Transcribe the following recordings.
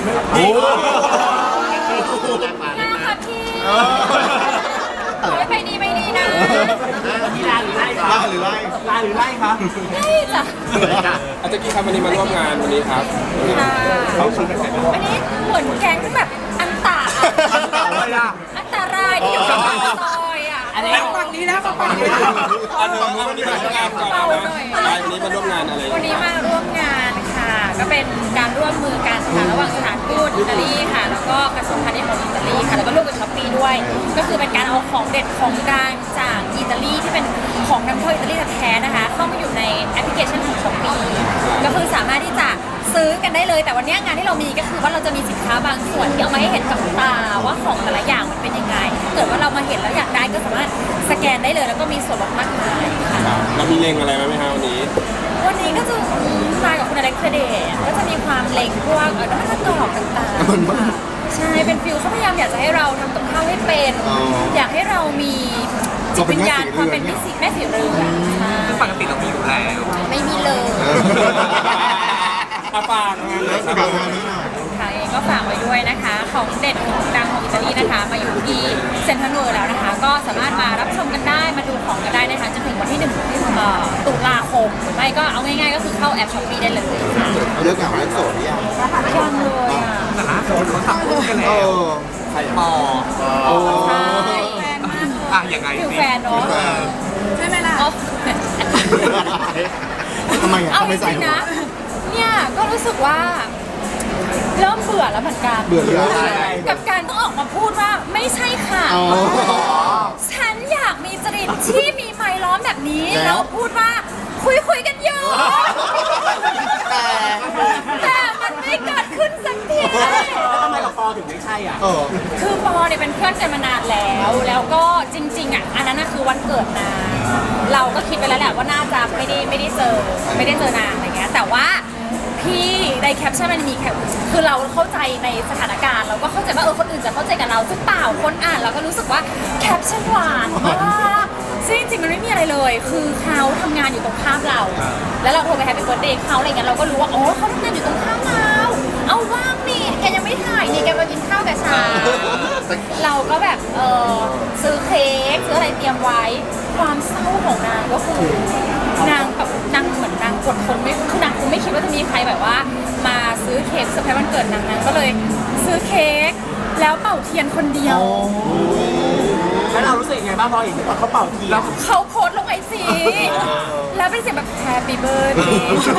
โอ้น่าค่ะพี่ขอให้ไปดีไม่ดีนะที่ลาหรือไล่คะล่าหรือไล่ลาหรือไล่คะได้จ้ะอาจารย์กี้ครับวันนี้มาร่วมงานวันนี้ครับค่ะเขาชวนกันใครบ้างวันนี้เหมือนแก๊งแบบอันตาอะไรล่ะอันตรายที่อยู่ในซอยอ่ะอะไรฝั่งนี้แล้วฝั่งนี้แล้ววันนี้มาร่วมงานก่อนนะวันนี้มาร่วมงานอะไรวันนี้มาร่วมงานค่ะ ก็เป็นการร่วมมือกันค่ะระหว่างสถานทูตอิตาลีค่ะ แล้วก็กระทรวงพาณิชย์ของอิตาลีค่ะ แล้วก็ร่วมกับช้อปปี้ด้วย ก็คือเป็นการเอาของเด็ดของดังจากอิตาลีที่เป็นของนำเข้าอิตาลีแท้ๆนะคะ เข้ามาอยู่ในแอปพลิเคชันของช้อปปี้ก็คือสามารถที่จะซื้อกันได้เลย แต่วันนี้งานที่เรามีก็คือว่าเราจะมีสินค้าบางส่วนที่เอามาให้เห็นกับตาว่าของแต่ละอย่างมันเป็นยังไงถ้าเกิดว่าเรามาเห็นแล้วอยากได้ก็สามารถสแกนได้เลย แล้วก็มีส่วนลดมากมายค่ะเรามีเลงอะไรไหมครับวันนี้วันนี้ก็จะมากับคุณอเล็กซ์เดย์ก็จะมีความเล็งพวกน้ำมันมะกอกต่างๆค่ะใช่เป็นฟิลเขาพยายามอยากจะให้เราทำกับข้าวให้เป็น อยากให้เรามีจิตวิญญาณความเป็นแม่สีเรือนใช่ปกติเรามีอยู่แล้วไม่มีเลยอาฟางงานเลยครับกับงานนี้หน่อยค่ะเองก็ฝากไว้ด้วยนะคะ ของเด็ดของดังของอิตาลีนะคะ มาอยู่ที่เซ็นทรัลเวิลด์แล้วนะคะ ก็สามารถมารับชมกันได้มาดูของกันได้นะคะจนถึงวันที่1 ตุลาคมหรือไม่ก็เอาง่ายๆก็คือเข้าแอปช้อปปี้ได้เลยค่ะเลิกเหงาเลิกโสดหรือยังยังเลยอ่ะแต่ล่าสุดเขาทำคู่กันเอแล้วอปอโอ้ใช่แฟนมากอ่ะยังไงฟิลแฟนเนาะใช่ไหมล่ะทำไมอ่ะเอาทำไมจใส่ริงหัๆวนะเนี่ยก็รู้สึกว่าเริ่มเบื่อแล้วเหมือนกันเบื่อเรื่องอะไรกับการต้องออกมาพูดว่าไม่ใช่ค่ะอ๋อฉันอยากมีจริตที่มีไมค์ล้อมแบบนี้แล้แล้ว วพูดว่าคุยกันอยู่ แต่มันไม่เกิดขึ้นสักทีแล้วทำไมกับปอถึงไม่ใช่อ่ะเออคือปอเนี่ยเป็นเพื่อนกันมานานแล้ว แล้วก็จริงๆอ่ะอันนั้นน่ะคือวันเกิดนางเราก็คิดไปแล้วแหละว่าน่าจะไม่ได้เจอนางอะไรเงี้ยแต่ว่าพี่ในแคปชั่นมันมีแคปคือเราเข้าใจในสถานการณ์เราก็เข้าใจว่าคนอื่นจะเข้าใจกับเราซึ่งเปล่าคนอ่านเราก็รู้สึกว่าแคปชั่นหวานมากซึ่งจริงๆมันไม่มีอะไรเลย คือเขาทำงานอยู่ตรงข้ามเรา แล้วเราโทรไปแฮปปี้เบิร์ธเดย์เขาอะไรเงี้ยเราก็รู้ว่าอ๋อเขาทำงานอยู่ตรงข้ามเราเอาว่างนี่แกยังไม่ถ่ายนี่แกมากินข้าวกับฉันเราก็แบบซื้อเค้กซื้ออะไรเตรียมไว้ความเศร้าของนางก็คือนางแบบนางเหมือนนางกดทนไม่คือนางคงไม่คิดว่าจะมีใครแบบว่า มาซื้อเค้กเซอร์ไพรส์วันเกิดนางก็เลยซื้อเค้กแล้วเป่าเทียนคนเดียวแล้วเรารู้สึกยังไงบ้างพอเห็นว่าเขาเป่าทีแล้วเขาโพสต์ลงไอจีแล้วเป็นเสียงแบบ Happy Birthday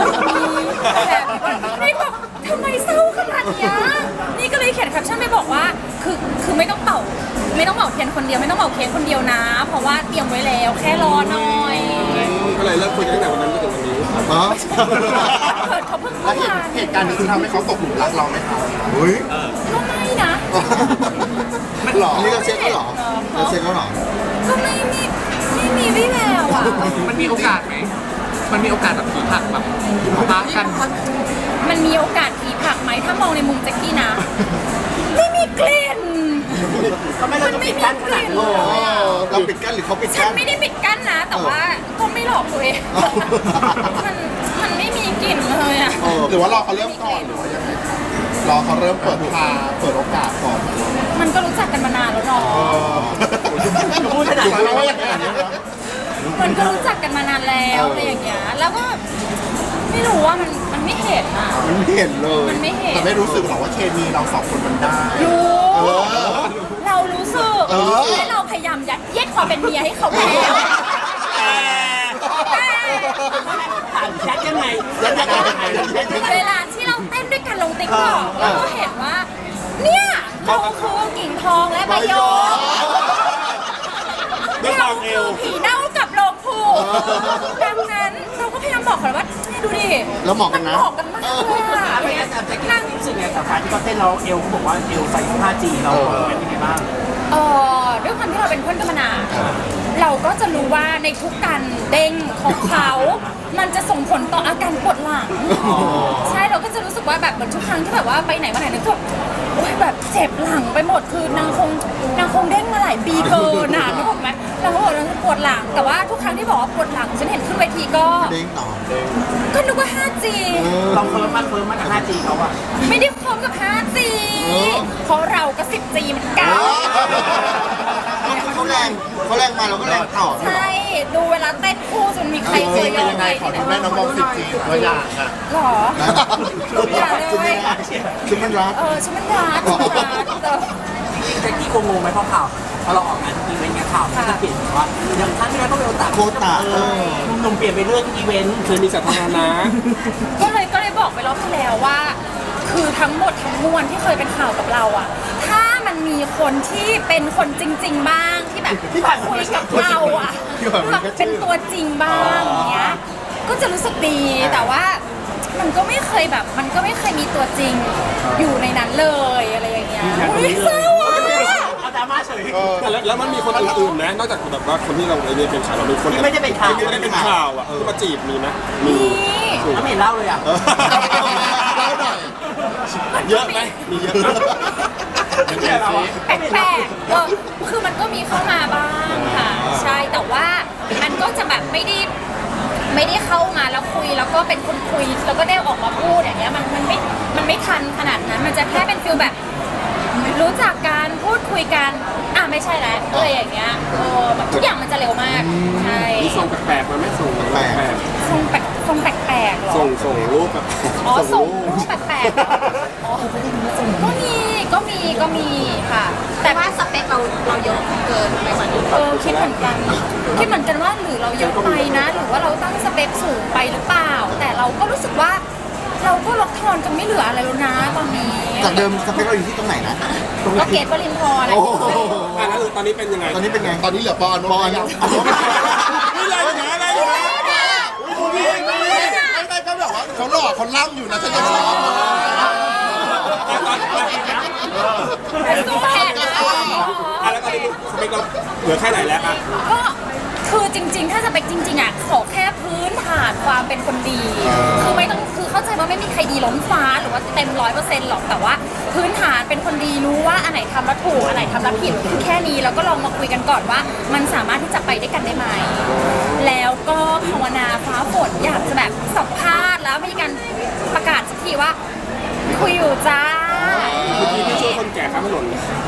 นี่แบบทำไมเศร้าขนาดเนี้ยนี่ก็เลยเขียนแคปชั่นไปบอกว่าคือไม่ต้องเป่าเทียนคนเดียวไม่ต้องเป่าเค้กคนเดียวนะ เพราะว่าเตรียมไว้แล้วแค่รอหน่อยก็เลยเลิกคุยตั้งแต่วันนั้นจนถึงวันนี้อ๋อเกิดเขาเพิ่งแล้เข้าว มาเหตุการณ์นี้จะทำให้เขาตกหลุมรักเราไหมครับเฮ้ยก็ไม่นะหรอนี่เราเช็คเขาหรอเราเช็คเขาหรอก็ไม่มีวี่แววอ่ะมันมีโอกาสไหมมันมีโอกาสแบบผีผักแบบปะกันมันมีโอกาสผีผักไหมถ้ามองในมุมแจ็คกี้นะ ไม่มีกลิ่นทำไมเราต้องปิดกั้นขนาดนี้เราปิดกั้นหรือเขาปิดฉักั้นนไม่ได้ปิดกั้นนะ แต่ว่าก็ไม่หลอกตัวเอง มันไม่มีกลิ่นเลยอ่ะหรือว่ารอเขาเริ่มก่อนหรือว่ายังไงรอเขาเริ่มเปิดทางเปิดโอกาสก่อนมันก็รู้จักกันมานานแล้วเนาะพูดขนาดถูกนั้นไหมว่าว่าออย่างย่างนั้นั้น นมันก็รู้จักกันมานานแล้วอะไรอย่างเงี้ย แล้วก็ไม่รู้ว่ามันไม่เห็นอ่ะมันไม่เห็นเลยมันไม่เห็นแต่ไม่รู้สึกหรอกว่าเคมีเราสองคนมันได้รู้เออเรารู้สึกเออและเราพยายามยัดเยียดความเป็นเมียให้เขาแล้วถามแจ็คยังไงแล้วยังไงเวลาที่เราเต้นด้วยกันลงติ๊กต็อกเราก็เห็นว่า เนี่ยเราคือกิ่งทองและใบโยกด้วยความเอวผีเน่ากับโลงผูดังนั้นเราก็พยายามบอกเขาว่าเนี่ยดูดิแล้วเหมาะกันนะเหมาะกันมากเลยอะไม่งั้นแจ็คกี้รู้สึกไงกับการที่เขาเต้นเราเอวเขาบอกว่าเอวใส่ 5G เราเป็นยังไงบ้างด้วยความที่เราเป็นเพื่อนกันมานานเราก็จะรู้ว่าในทุกการเด้งของเขา มันจะส่งผลต่ออาการปวดหลัง ใช่เราก็จะรู้สึกว่าว่าแบบเหมือนทุกครั้งที่แบบว่าไปไหนมาไหนนึกว่าโอ๊ยแบบเจ็บหลังไปหมดคือนางคงเด้งมาหลายปีเกินนึกออกไหมเราก็บอกเราปวดหลังแต่ว่าทุกครั้งที่บอกว่าปวดหลังฉันเห็นขึ้นเวทีก็เด้งต่อก็นึกว่า 5G เราเฟิร์มมากกับ 5G เขาอะไม่ได้พร้อมกับ 5G เพราะเราก็ 10G เหมือนกันเขาแรงมาเราก็แรงต่อใช่ ดูเวลาเต้นคู่จนมีใครเคยยอมยังใคไงรขอดูแม่น้องมอง10 จีตัวอย่างอ่ะหรอ อย่าเลยคือมันรักฉันมันรักเออแจ็คกี้งงไหมเพราะข่าวพอเราออกงานอีเวนต์เงี้ยข่าวมันจะเปลี่ยนว่าอย่างครั้งที่แล้วก็เป็นโอตาโคตาหนุ่มๆเปลี่ยนไปเรื่อยทุกอีเวนต์เคยมีสถานะก็เลยบอกไปรอบที่แล้วว่า คือทั้งหมดทั้งมวลที่เคยเป็นข่าวกับเราอะถ้ามันมีคนที่เป็นคนจริง ๆ บ้างที่แบบคุยกับเราอะแบบเป็นตัวจริงบ้างอย่างเงี้ยก็จะรู้สึกดีแต่ว่ามันก็ไม่เคยแบบมันก็ไม่เคยมีตัวจริงอยู่ในนั้นเลยอะไรอย่างเงี้ยอุ๊ยเศร้าอะเอาดราม่าเฉยแล้วมันมีคนอื่นๆนะนอกจากแบบว่าคนที่เราเรียนเป็นข่าวเรามีคนที่ไม่ได้เป็นข่าวที่ไม่ได้เป็นข่าวอ่ะที่มาจีบมีไหมมีแล้วไม่เห็นเล่าเลยอ่ะเล่าหน่อยเยอะไหมมีเยอะแปลกๆคือมันก็มีเข้ามาบ้างค่ะใช่แต่ว่ามันก็จะแบบไม่ได้เข้ามาแล้วคุยแล้วก็เป็นคนคุยแล้วก็ได้ออกมาพูดอย่างเงี้ยมันไม่ทันขนาดนั้นมันจะแค่เป็นฟิลแบบรู้จักกันพูดคุยกันไม่ใช่แล้วอะไรอย่างเงี้ยแบบทุกอย่างมันจะเร็วมากใช่มีส่งแปลกๆมาไหมส่งแปลกทรงแปลกๆเหรอๆส่งรูปแบบส่งรูปแปลกๆเหรออ๋อก็มีค่ะ แต่ว่าสเปคเราเยอะเกินไปกว่านี้คิดเหมือนกันว่าหรือเราเยอะไปนะ หรือว่าเราตั้งสเปคสูงไปหรือเปล่า แต่เราก็รู้สึกว่าเราก็ลดทอนกันไม่เหลืออะไรแล้วนะตอนนี้จากเดิมสเปคเราอยู่ที่ตรงไหนนะก็เกตวรินทร์อะไรโอ้โหแล้วตอนนี้เป็นยังไงตอนนี้เป็นไง ตอนนี้เหลือปอนยังไม่เลยนะอะไรนะไม่ก็แบบว่าเขาหล่อเขาล่ำอยู่นะฉันจะชอบสู้แทนนะแล้วตอนนี้สเปคเราเหลือแค่ไหนแล้วอ่ะก็คือจริงๆ ถ้าสเปคจริงๆอ่ะขอแค่พื้นฐานความเป็นคนดี คือไม่ต้องคือเข้าใจว่าไม่มีใครดีล้นฟ้าหรือว่าเต็ม100%หรอกแต่ว่าพื้นฐานเป็นคนดีรู้ว่าอันไหนทำแล้วถูกอันไหนทำแล้วผิดแค่นี้แล้วก็ลองมาคุยกันก่อนว่า มันสามารถที่จะไปด้วยกันได้ไหมแล้วก็ภาวนาฟ้าฝนอยากจะแบบสัมภาษณ์แล้วมีการประกาศสักทีว่า คุยอยู่จ้าเมื่อกี้ที่ช่วยคนแก่ข้ามถนน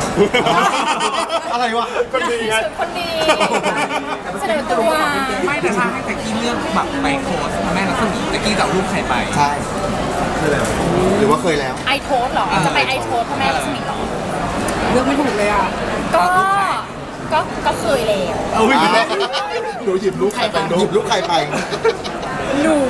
อะไรวะก็ดีไงคนดีเสนอตัวไม่แต่ถ้าให้แจ็คกี้เลือกแบบไปโค้ชแม่แล้วคนแจ็คกี้จะเอารูปใครไปใช่หรือว่าเคยแล้วไอโทสเหรอ จะไปไอโทสพ่อแม่รัศมีเหรอเลือกไม่ถูกเลยอ่ะก็เคยแล้วหนูหยิบลูกใครไปหยิบลูกใครไปหนู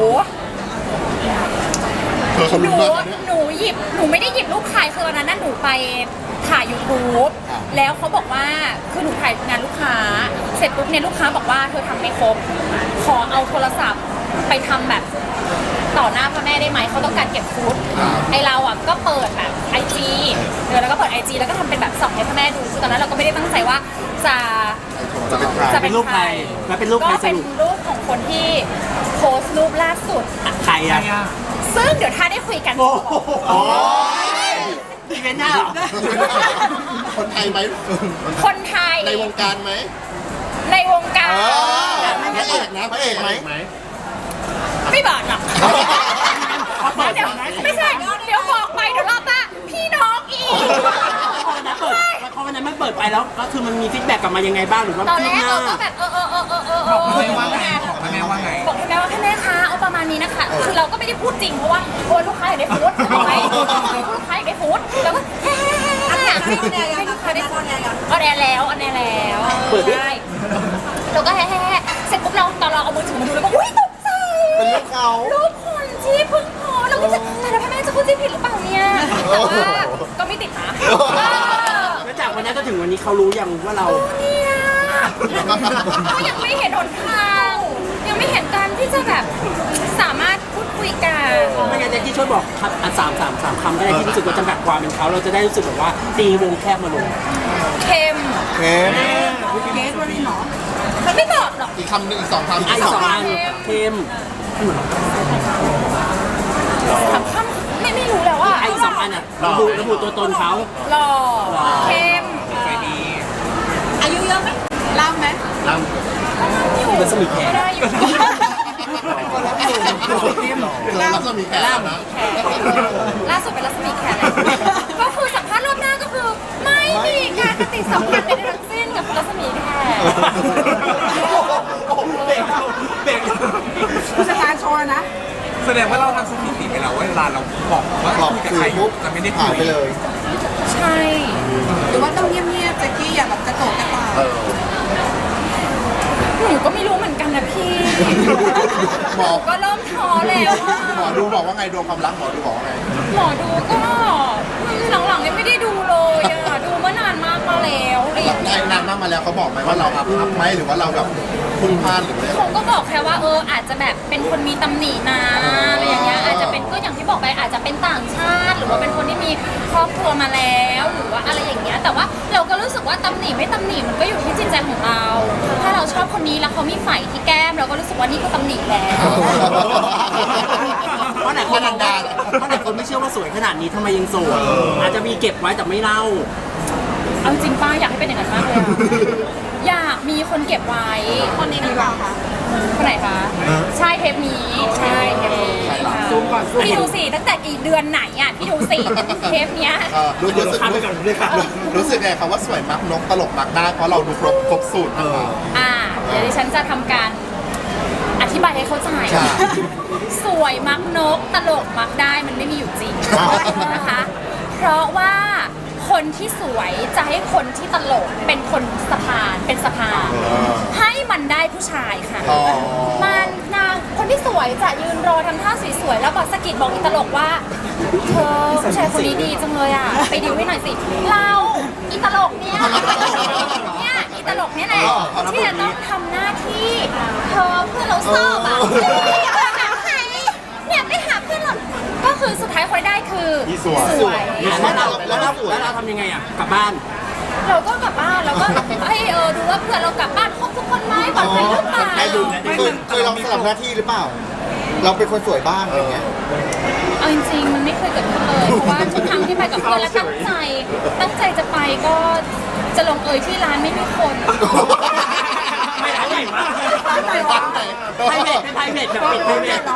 เขาหลุ้นูนมากเนี่ยหนูไม่ได้หยิบรูปใครคือวันนั้นน่ะหนูไปถ่าย YouTube อ่าแล้วเขาบอกว่าคือหนูถ่ายงานลูกค้า เสร็จปุ๊บเนี่ยลูกค้าบอกว่าเธอทำไม่ครบ ขอเอาโทรศัพท์ไปทำแบบต่อหน้าพ่อแม่ได้ไหมเขาต้องการเก็บฟุตไอเราอ่ะก็เปิดแบบ IG แล้วก็เปิด IG แล้วก็ทำเป็นแบบส่องให้พ่อแม่ดูคือตอนนั้นเราก็ไม่ได้ตั้งใจว่าจะจะเป็นใครจะเป็นรูปใครแล้วเป็นรูปใครก็สเป็นรุปรูปของคนที่โพสต์รูปล่าสุดใครอ่ะซึ่งเดี๋ยวถ้าได้คุยกันโอ้โหอีเวนต์หน้าเหรอคนไทยไหมคนไทยในวงการไหมในวงการพระเอกนะพระเอกไหมไม่บอกหรอกเดี๋ยวไม่ใช่เดี๋ยวบอกไปเดี๋ยวรอบหน้าพี่น้องอีกพอวันนั้นมันเปิดไปแล้วก็คือมันมีฟีดแบ็กกลับมายังไงบ้างหรือว่าตอนแรกหเราน้าก็แบบบอกแม่ว่าไงบอกแม่ว่าไงบอกให้แม่ว่าให้แม่คะเอาประมาณนี้นะคะ คือเราก็ไม่ได้พูดจริงเพราะว่าโอ้ยลูกค้าอยากได้ฟู้ดถูกไหมลูกค้าอยากได้ฟู้ดแล้วก็ให้ลูกค้าได้ฟู้ดออนแอร์แล้วใช่เราก็แฮ่เสร็จปุ๊บเราตอนเราเอามือถือมาดูแล้วก็อุ้ยตกใจเป็นลูกเขารูปคนที่เพิ่งโพสต์เราก็จะแต่แล้วพ่อแม่จะเข้าใจผิดหรือเปล่าเนี่ยแต่ว่าก็ไม่ติดนะแล้วจากวันนั้นจนถึงวันนี้เขารู้ยังว่าเราเนี่ยก็ยังไม่เห็นหนทางยังไม่เห็นการที่จะแบบสามารถพูดคุยกันไม่งั้นแจ็คกี้ช่วยบอกครับสามคำก็ได้ที่รู้สึกว่าจำกัดความเป็นเขาเราจะได้รู้สึกแบบว่าตีวงแคบมาลงเค็มเกมมันไม่บอกหรอกอีกคำหนึ่งอีกสองคำอีกสองอันเค็มถามคำไม่ระบุตัวตนเขาหล่อเข้มใจดีอายุเยอะไหมล่ำไหมเหมือนสมิธแขก็กได้อยู่แล้วเรามีแขกนะล่าสุดเป็นรัศมีแขกเลยก็คือสัมภาษณ์รอบหน้าก็คือ ไม่มีการปฏิสัมพันธ์ใดๆทั้งสิ้นกับรัศมีแขกเบรกผู้จัดการโชว์นะแสดงว่าเราทำสถิติไปแล้วว่าเวลาเราบอกว่าบอกคุยกับสื่ใครอปุ๊บจะไม่ได้คุหายยไปเลยใช่หรือว่าต้องเงียบๆแจ็คกี้อย่าแบบกระโตกกระตากหนูก็ไม่รู้เหมือนกันนะพี่หมอก็เริ่มท้อแล้วอะหมอดูบอกว่าไงดวงความรักหมอดูบอกว่าไงหมอดูก็หลังๆยังไม่ได้ดูเลยอะดูเมื่อนานมากมาแล้วอะไรอย่างเงี้ยนานมากมาแล้วเขาบอกไหมว่าเราอัพไหมหรือว่าเราแบบพุ่งพลาดหรืออะไรเขาก็บอกแค่ว่าอาจจะแบบเป็นคนมีตำหนินะอะไรอย่างเงี้ยอาจจะเป็นก็อย่างที่บอกไปอาจจะเป็นต่างชาติ หรือว่าเป็นคนที่มีครอบครัวมาแล้วหรือว่าอะไรอย่างเงี้ยแต่ว่าเราก็รู้สึกว่าตำหนิไม่ตำหนิมันก็อยู่ที่จิตใจของเรา ถ้าเราชอบคนนี้แล้วเขามีไฝที่แก้มเราก็รู้สึกว่านี่คือตำหนิแล้วเพราะไหนคนบอกว่าเพราะไหนคนไม่เชื่อว่าสวยขนาดนี้ทำไมยังโสดอาจจะมีเก็บไว้แต่ไม่เล่าเอาจริงป้าอยากให้เป็นอย่างนั้นมากเลยอะอยากมีคนเก็บไว้คนนี้หรือเปล่าคะคนไหนคะใช่เทปนี้ใช่เทปนี้ค่ะซูมก่อนซูมพี่ดูสิตั้งแต่กี่เดือนไหนอ่ะพี่ดูสิเทปเนี้ยรู้สึกรู้สึกไงครับว่าสวยมักนกตลกมักได้เพราะเราดูครบสูตรนะคะเดี๋ยวดิฉันจะทำการอธิบายให้เข้าใจค่ะสวยมักนกตลกมักได้มันไม่มีอยู่จริงนะคะ เพราะว่าคนที่สวยจะให้คนที่ตลกเป็นคนสะพานเป็นสะพานให้มันได้ผู้ชายค่ะอ๋อมันนางคนที่สวยจะยืนรอทำท่าสวยๆแล้วบอกสะกิดบอกอีตลกว่าเธอผู้ชายคนนี้ดีจังเลยอ่ะไปดิวให้หน่อยสิเราอีตลกเนี่ยอีตลกเนี่ยแหละที่จะต้องทำหน้าที่เธอเพื่อนเราชอบอ่ะเนี่ยไปหาเพื่อนเราก็คือสุดท้ายคนได้คือสวยแล้วเราทำยังไงอ่ะกลับบ้านเราก็กลับบ้านเราก็ให้ดูว่าเพื่อนเรากลับบ้านครบทุกคนไหมปลอดภัยหรือเปล่าเคยลองสลับหน้าที่หรือเปล่า เราเป็นคนสวยบ้างอะไรเงี้ยเอาจริงๆมันไม่เคยเกิดขึ้นเลยเพราะว่าทุกครั้งที่ไปกับเพื่อนแล้วตั้งใจจะไปก็จะลงเอยที่ร้านไม่มีคนไม่ร้านใหญ่มากไพรเวทเป็นไพรเวทแบบปิดไพรเวท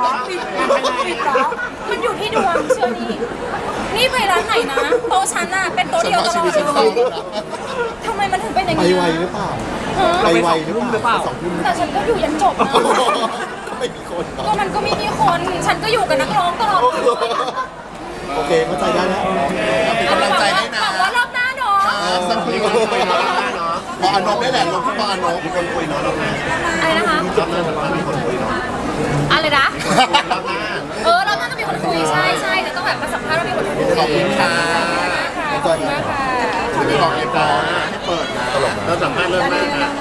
มันอยู่ที่ดวงเชื่อนี่ไปร้านไหนนะโต๊ะฉันน่ะเป็นโต๊ะส่วนเดียวมากตชีลอวิตดฉันเลเข้าย นะทำไมมันถึงเป็นอย่างไปนี้ไวหรือเปล่า ไปไวหรือเปล่า2 ทุ่มแต่ฉันก็อยู่ยันจบนะไม่มีคนเนก็อะมันก็ไม่มีคน ฉันก็อยู่กับนักร้องตลอดโอเคเข้าใจได้แล้วเป็นกำลังใจให้นะหวังว่ารอบหน้าเนาะสักทีก็คุยเนาะพออนบได้แหละลงที่พออนบมีคนคุยเนาะรอบหน้าอะไรนะคะรอบหน้าจะต้องมีคนคุยเนาะอะไรนะรอบหน้าเราน่าจะมีคนคุยใช่เดี๋ยวต้องแบบมาสัมภาษณ์ว่ามีคนคุยขอบคุณค่ะขอบคุณมากค่ะที่บอกเอฟนะให้เปิดนะตลกนะเราสัมภาษณ์เรื่องแรกนะ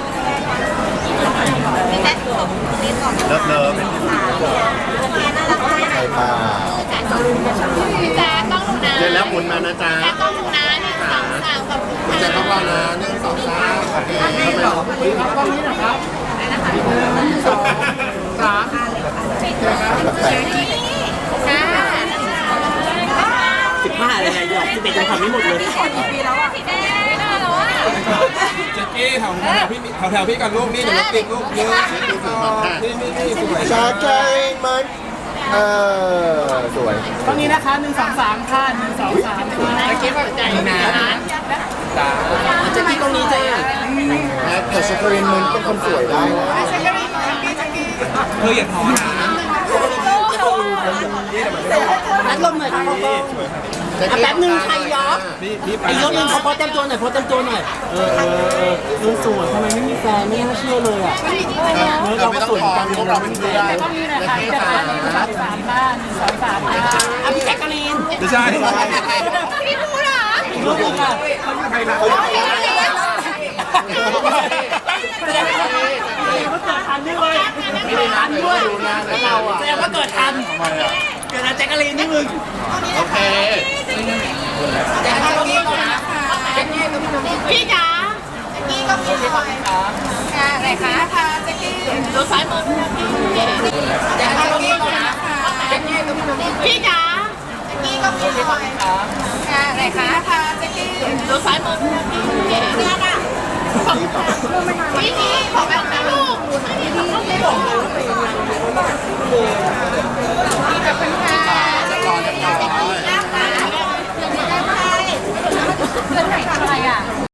เลิฟใครมาพี่แจ๊คต้องหนูนะเล่นแล้วหมุนมานะจ๊ะต้องหนูนะ1 2 3ขอบคุณคุณแจ็คต้องรอนะ1 2 3โอเคค่ะ 15อะไรไงหยอก11ยังทำไม่หมดเลยปีแล้วอ่ะพี่แจ๊คไม่ได้แล้วอ่ะแจ็คกี้แถวพี่แถวพี่ก่อนลูกนี่เดี๋ยวรถติดลูกนี่นี่สวยชาใจมันสวยตรงนี้นะคะ1 2 3ค่ะ1 2 3ค่ะเก็บใจนะจ้าเจ๊กี้ตรงนี้จ้าแต่ชาครินมันเป็นคนสวยได้นะเธออย่าท้อนะนัดลมหน่อยค่ะพ่อแป๊บนึงใครยอกนี่ไปอีกรอบนึงเขาพอเต็มตัวหน่อยพอเต็มตัวหน่อยลุงสวยทำไมไม่มีแฟนไม่น่าเชื่อเลยอ่ะเราไม่ต้องขอพวกเราเป็นเพื่อนต้องมีนะคะ3บ้าน1 2 3อ่ะพี่แจ๊กกะลีนไม่ใช่พี่พูดเหรออีกรอบนึงค่ะแสดงว่าเกิดทันด้วยทันด้วยแสดงว่าเกิดทันเกิดทันแจ๊กกะลีนนี่มึงโอเคพี่จ๋าพี่ก็มีเลยค่ะไหนคะดูซ้ายมือพี่จ๋าพี่ก็มีเลยค่ะค่ะไหนคะนะคะแจ็คกี้ดูซ้ายมือเนี่ยค่ะพี่ขอแบบนั้นลูกพี่บอกพี่ขอบคุณค่ะ